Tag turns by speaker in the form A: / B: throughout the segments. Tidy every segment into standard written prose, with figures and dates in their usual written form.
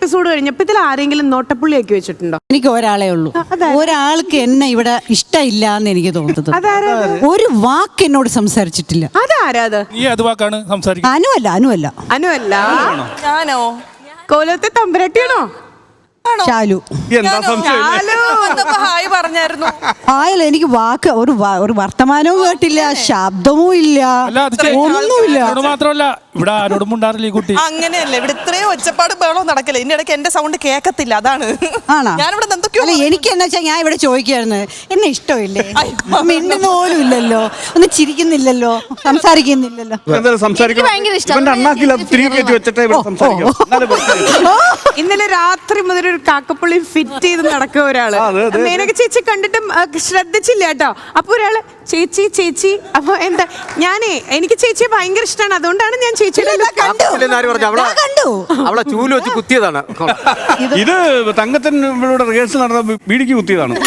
A: Episode കഴിഞ്ഞപ്പോ ഇതിൽ ആരെങ്കിലും നോട്ടപ്പുള്ളിയാക്കി വെച്ചിട്ടുണ്ടോ?
B: എനിക്ക് ഒരാളേ ഉള്ളൂ. ഒരാൾക്ക് എന്നെ ഇവിടെ ഇഷ്ടമില്ല എന്ന് എനിക്ക് തോന്നുന്നത്. ഒരു വാക്ക് എന്നോട് സംസാരിച്ചിട്ടില്ല.
A: അതാരാത്?
B: അനുവല്ല.
C: ഞാനോ?
A: കോലത്തെ തമ്പുരാട്ടിയാണോ?
B: ശാലു.
C: ഹായ് പറഞ്ഞായിരുന്നു.
B: ആയല്ല, എനിക്ക് വാക്ക് ഒരു വർത്തമാനവും കേട്ടില്ല, ശബ്ദവും ഇല്ല, ഒന്നുമില്ല.
C: അങ്ങനെയല്ലേ, ഇവിടെ ഇത്രയും ഒച്ചപ്പാട് ബഹളവും നടക്കില്ല. ഇതിന്റെ ഇടയ്ക്ക് എന്റെ സൗണ്ട് കേൾക്കത്തില്ല, അതാണ്. ഞാനിവിടെ
B: എനിക്ക് എന്താ വെച്ചാൽ ഞാൻ ഇവിടെ ചോദിക്കായിരുന്നു, എന്നെ ഇഷ്ടമില്ലേ? മിണ്ടുന്ന പോലും ഇല്ലല്ലോ, ഒന്നും ചിരിക്കുന്നില്ലല്ലോ, സംസാരിക്കുന്നില്ലല്ലോ.
A: ഇന്നലെ രാത്രി മുതൽ ഒരു കാക്കപ്പുള്ളി ഫിറ്റ് ചെയ്ത് നടക്കുക ഒരാള്. മേനക ചേച്ചി കണ്ടിട്ടും ശ്രദ്ധിച്ചില്ല കേട്ടോ. അപ്പൊ ഒരാള് ചേച്ചി അപ്പൊ എന്താ, എനിക്ക് ചേച്ചിയെ ഭയങ്കര ഇഷ്ടമാണ്, അതുകൊണ്ടാണ് ഞാൻ ചേച്ചിയുടെ
D: അവളെ ചൂല് വെച്ച് കുത്തിയതാണ്.
E: ഇത് തങ്കത്തിന് റിഹേഴ്സൽ നടന്ന ബീഡിക്ക് കുത്തിയതാണ്.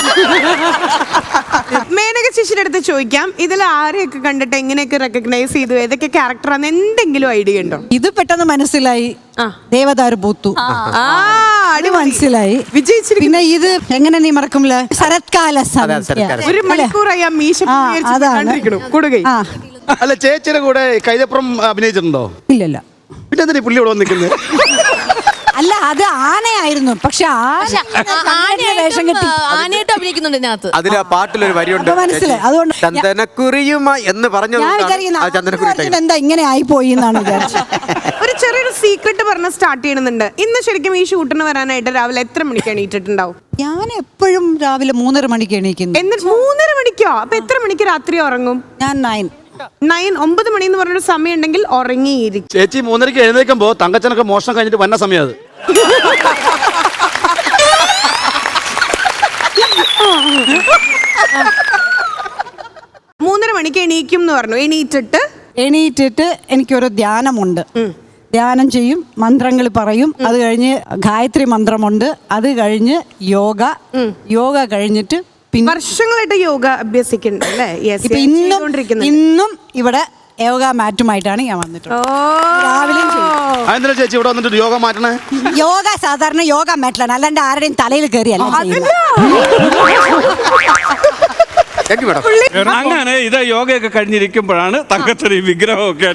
A: മേനക ചേച്ചിയുടെ അടുത്ത് ചോദിക്കാം, ഇതിൽ ആരെയൊക്കെ കണ്ടിട്ട് എങ്ങനെയൊക്കെ റെക്കഗ്നൈസ് ചെയ്തു, ഏതൊക്കെ ക്യാരക്ടറാന്ന് എന്തെങ്കിലും ഐഡിയ ഉണ്ടോ?
B: ഇത് പെട്ടെന്ന് മനസ്സിലായി, ദേവദാരു പൂത്തു. അത് മനസ്സിലായി, വിജയിച്ചിരിക്കും. പിന്നെ ഇത് എങ്ങനെ നീ മറക്കുമല്ല, ശരത്കാല
A: ഒരു മണിക്കൂറായി ആ മീശ കൊടുകൈ.
E: അല്ല, ചേച്ചിയുടെ കൂടെ കൈതപ്പുറം അഭിനയിച്ചിട്ടുണ്ടോ?
B: ഇല്ലല്ല.
E: പിന്നെ എന്തിനാ പുള്ളി ഇവിടെ വന്നിരിക്കുന്നത്?
B: അല്ല, അത് ആനയായിരുന്നു. പക്ഷെ വേഷം കെട്ടി
F: ആനയായിട്ട് അഭിനയിക്കുന്നുണ്ട് ഇതിനകത്ത്.
D: അതിൽ ആ പാട്ടിലൊരു വരിയുണ്ട്,
B: മനസ്സിലായി. അതുകൊണ്ട്
D: ചന്ദനക്കുറിയുമായി എന്ന് പറഞ്ഞു.
B: എന്താ ഇങ്ങനെ ആയിപ്പോയി എന്നാണ് വിചാരിച്ചത്.
A: ഒരു ചെറിയൊരു സീക്രട്ട് പറഞ്ഞ് സ്റ്റാർട്ട് ചെയ്യണമെന്നുണ്ട്. ഇന്ന് ശരിക്കും ഈ ഷൂട്ടിന് വരാനായിട്ട് രാവിലെ എത്ര മണിക്ക് എണീറ്റിട്ടുണ്ടാവും?
B: ഞാൻ എപ്പോഴും രാവിലെ 3:30 മണിക്ക് എണീക്കുന്നു.
A: 3:30 മണിക്കോ? അപ്പൊ എത്ര മണിക്ക് രാത്രി ഉറങ്ങും?
B: ഞാൻ
A: 9 മണി എന്ന് പറഞ്ഞൊരു സമയം ഉണ്ടെങ്കിൽ ഉറങ്ങിയിരിക്കും.
E: ചേച്ചി 3:30 എഴുന്നേൽക്കുമ്പോ തങ്കച്ചനൊക്കെ മോഷണം കഴിഞ്ഞിട്ട് വന്ന സമയം അത്.
A: 3:30 മണിക്ക് എണീക്കും എന്ന് പറഞ്ഞു. എണീറ്റിട്ട്
B: എനിക്കൊരു ധ്യാനമുണ്ട്. ധ്യാനം ചെയ്യും, മന്ത്രങ്ങൾ പറയും. അത് കഴിഞ്ഞ് ഗായത്രി മന്ത്രമുണ്ട്. അത് കഴിഞ്ഞ് യോഗ കഴിഞ്ഞിട്ട്
A: വർഷങ്ങളായിട്ട് യോഗ അഭ്യസിക്കുന്നുണ്ടല്ലേ?
B: ഇന്നും ഇവിടെ യോഗ മാറ്റുമായിട്ടാണ് ഞാൻ വന്നിട്ടുള്ളത്.
E: രാവിലെ ചേച്ചി ഇവിടെ വന്നിട്ട് യോഗ മാറ്റണേ?
B: യോഗ സാധാരണ യോഗ മാറ്റലാണ്, അല്ലാണ്ട് ആരുടെയും തലയിൽ കയറിയല്ല.
E: അങ്ങനെ ഇത് യോഗയൊക്കെ കഴിഞ്ഞിരിക്കുമ്പോഴാണ് തങ്കത്തിന് ഈ വിഗ്രഹമൊക്കെ.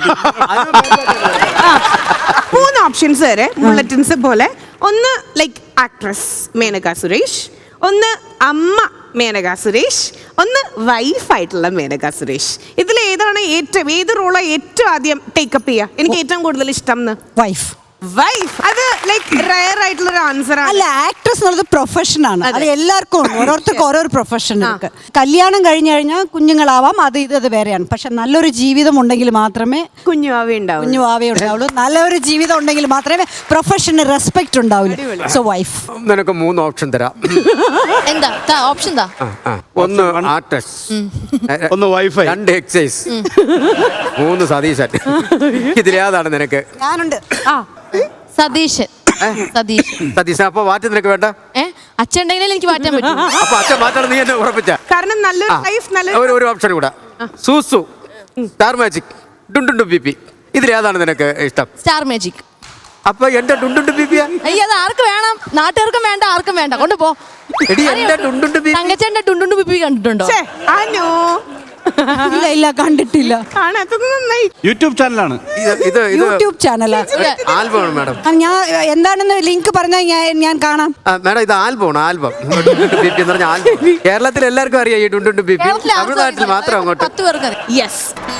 A: 3 ഓപ്ഷൻസ് വരെ ബുള്ളറ്റിൻസ് പോലെ. ഒന്ന് ലൈക്ക് ആക്ട്രസ് മേനക സുരേഷ്, ഒന്ന് അമ്മ മേനക സുരേഷ്, ഒന്ന് വൈഫായിട്ടുള്ള മേനക സുരേഷ്. ഇതിൽ ഏത് റോളാണ് ഏറ്റവും ആദ്യം ടേക്കപ്പ് ചെയ്യുക? എനിക്ക് ഏറ്റവും കൂടുതൽ ഇഷ്ടം
B: വൈഫ്.
A: അത് ലൈക്ക് റയർ ആയിട്ടുള്ള ഒരു ആൻസർ ആണ്.
B: അല്ല, ആക്ട്രസ് എന്നുള്ളത് പ്രൊഫഷനാണ്. അത് എല്ലാവർക്കും ഓരോരുത്തർക്കും ഓരോ പ്രൊഫഷൻ ഇருக்கு. കല്യാണം കഴിഞ്ഞു കഴിഞ്ഞാൽ കുഞ്ഞുങ്ങളാവാം, അത് വേറെയാണ്. പക്ഷെ നല്ലൊരു ജീവിതം ഉണ്ടെങ്കിൽ മാത്രമേ കുഞ്ഞുവാവേ ഉണ്ടാവുള്ളൂ. നല്ലൊരു ജീവിതം ഉണ്ടെങ്കിൽ മാത്രമേ പ്രൊഫഷന് റെസ്പെക്ട് ഉണ്ടാവുള്ളൂ. So wife.
D: നിനക്ക് 3 ഓപ്ഷൻ തരാം.
F: എന്താ ഓപ്ഷൻ?
D: ഒന്ന് ആർട്ടിസ്റ്റ്,
E: ഒന്ന് വൈഫ്,
D: 2 എക്സൈസ്, 3 സതീശൻ. ഇതിലേതാണ് നിനക്ക്?
B: ഞാനുണ്ട്.
F: സതീശൻ.
D: അപ്പൊ മാറ്റി നിനക്ക് വേണ്ട?
F: അച്ഛൻ ഉണ്ടെങ്കിൽ എനിക്ക് മാറ്റാൻ പറ്റും.
D: അപ്പൊ അച്ഛൻ മാറ്റാൻ നീ എന്നെ ഉറപ്പിച്ച?
A: കാരണം നല്ലൊരു ലൈഫ്.
D: ഒരു ഓപ്ഷൻ കൂടെ, സൂസു, സ്റ്റാർ മാജിക്, ഡുണ്ടുണ്ടു ബിപി. ഇതിലേതാണ് നിനക്ക് ഇഷ്ടം?
F: Star magic.
D: അപ്പൊ എന്റെ ഡുണ്ടുണ്ടു ബിപിയാ?
F: അത് ആർക്ക് വേണം? നാട്ടുകാർക്കും വേണ്ട, ആർക്കും വേണ്ട. കൊണ്ടുപോ. തങ്കച്ചേന്റെ ഡുണ്ടുണ്ടു ബിപി കണ്ടിട്ടുണ്ടോ?
B: ഇല്ല, കണ്ടിട്ടില്ല.
E: യൂട്യൂബ് ചാനലാണ്.
B: യൂട്യൂബ് ചാനലാ?
D: ആൽബമാണ് മാഡം.
B: ഞാൻ എന്താണെന്ന് ലിങ്ക് പറഞ്ഞാൽ ഞാൻ കാണാം.
D: മാഡം, ഇത് ആൽബം. ബിപി എന്ന് പറഞ്ഞ ആൽബം കേരളത്തിൽ എല്ലാവർക്കും അറിയാം. ഈ ഡുണ്ടുണ്ടു ബിപി തമിഴ്നാട്ടിൽ മാത്രം അങ്ങോട്ട്.
F: 10 പേർക്ക്.
A: യെസ്.